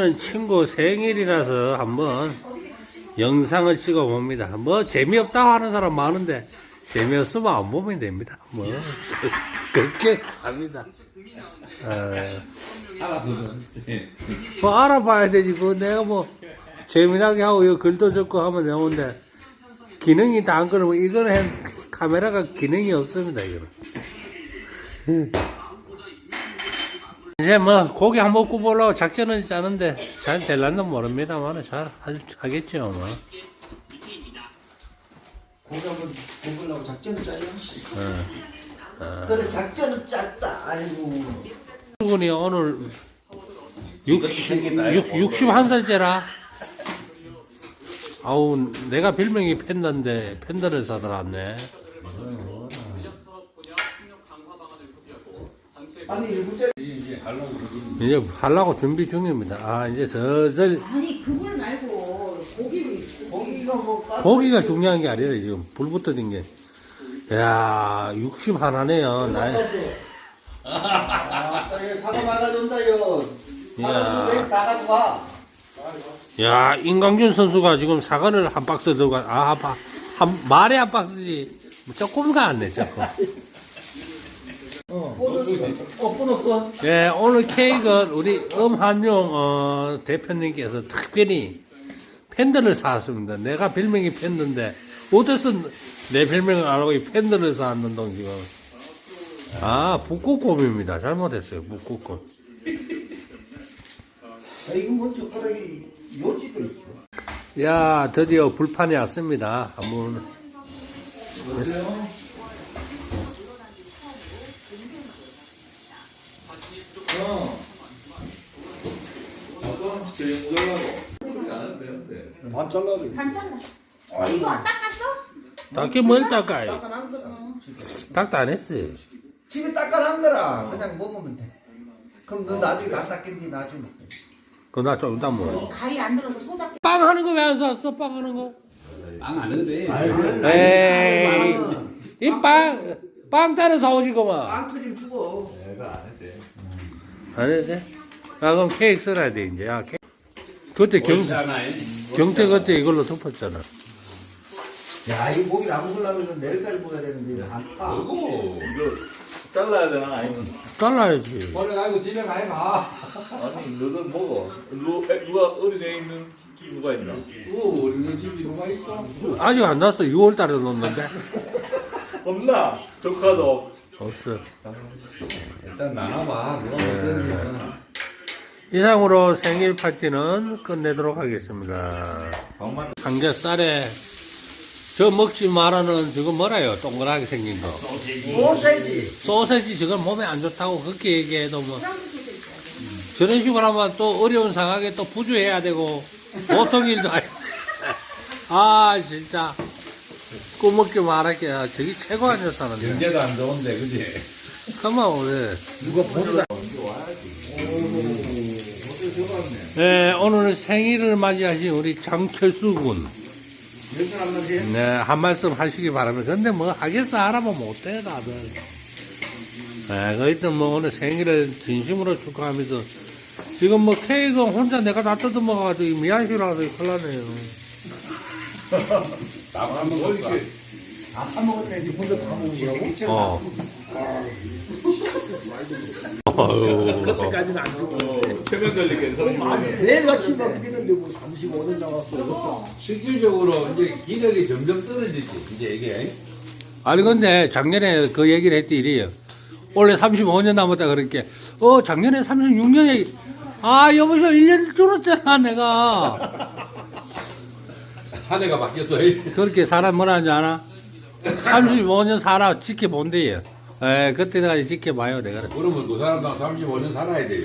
친구 생일이라서 한번 영상을 찍어 봅니다. 뭐 재미없다고 하는 사람 많은데 재미없으면 안 보면 됩니다. 뭐 그렇게 합니다. 알아서 뭐 알아봐야 되지. 그 내가 뭐 재미나게 하고 이거 글도 적고 하면 되는데 기능이 다 안 그러면 이거는 카메라가 기능이 없습니다. 이거는. 이제 뭐 고기 한번 구워보려고 작전은 짜는데 잘 될란는 모릅니다만 잘 하겠죠. 뭐. 고기 한번 구우려고 작전을 짜요? 그래 작전은 짰다. 아이고. 출근이 오늘 61살째라. 아우 내가 별명이 팬더인데 팬더를 사들었네. 아니 일부째 이제 하려고 준비 중입니다. 아 이제 슬슬 아니 그걸 말고 고기가 뭐 고기가 중요한 게 아니라 지금 불부터 된 게. 야 60 하나네요. 사과 막아준다요. 이야. 다 가져가. 야 임강준 선수가 지금 사과를 한 박스 들고 말에 한 박스지 조금 가안네 조금. 보너스. 예 오늘 케이크는 우리 엄한용 대표님께서 특별히 팬들을 사왔습니다. 내가 별명이 팬들인데 어디서 내 별명을 안 하고 이 팬들을 사왔는 동 지금. 아 북극곰입니다. 잘못했어요. 북극곰. 이거 뭔 젓가락이 요지도 있어. 야 드디어 불판이 왔습니다. 한번 반 잘라도 반찬 이거 안 닦았어? 닦기 뭘 닦아요? 닦아놓은 거라. 닦도 안 했어요. 집에 닦아놓은 거라. 그냥 먹으면 돼. 그럼 너 나중에 안 닦겠니? 나중에. 그거 나 좀 이따 먹어. 가위 안 들어서 소잡게 빵 하는 거 왜 안 샀어? 빵 하는 거? 빵안 해도 돼. 에이 이 빵 따로 사오지 그만. 빵 터지면 죽어. 내가 안 해도 돼. 안 해도 돼? 아 그럼 케이크 써야 돼 이제. 야 케이크. 그때 경태 그때 이걸로 덮었잖아. 야, 이 고기 다 먹으려면 이건 내일까지 먹어야 되는데 왜 안 파? 이거 잘라야 되나 아니면 잘라야지. 원래 가지고 집에 가. 아니 너도 먹어. 누가 어린애 있는 누가 있나? 어린애 집이 누가 있어? 아직 안 났어. 6월 달에 넣었는데. 없나? 조카도 없어. 일단 나눠봐. 누가 먹든지. 이상으로 생일 파티는 끝내도록 하겠습니다. 삼겹살에 저 먹지 말라는 저거 뭐라요? 동그랗게 생긴 거. 소세지. 소세지 저건 몸에 안 좋다고 그렇게 얘기해도 뭐 저런 식으로 하면 또 어려운 상황에 또 부주해야 되고 보통 일도 아니. 아 진짜 꾸먹지 말할게. 저기 최고 안 좋다는데. 경제도 안 좋은데 그지? 그만 왜? 누가 보다. 네 오늘 생일을 맞이하신 우리 장철수 군. 네, 한 말씀 하시기 바랍니다. 근데 뭐 하겠어 알아보면 못해 다들. 네, 하여튼 뭐 오늘 생일을 진심으로 축하하면서 지금 뭐 케이크 혼자 내가 다 뜯어먹어가지고 미안시라서 큰일 나네요. 나만 먹을까? 다 먹었네. 니 혼자 다 먹으라고? 그때까지는 안 주고 최면 걸리겠어. 내가 침박 뛰는데 뭐 35년 나왔어. 실질적으로 이제 기력이 점점 떨어지지 이제 이게. 아니 근데 작년에 그 얘기를 했더니 이래요. 원래 35년 남았다 그러니까 작년에 36년에 여보세요 1년 줄었잖아 내가. 한 해가 바뀌었어. 그렇게 사람 뭐라 하는지 알아? 35년 살아 지켜본대요. 그때까지 지켜봐요 내가. 그러면 그 사람도 35년 살아야 돼.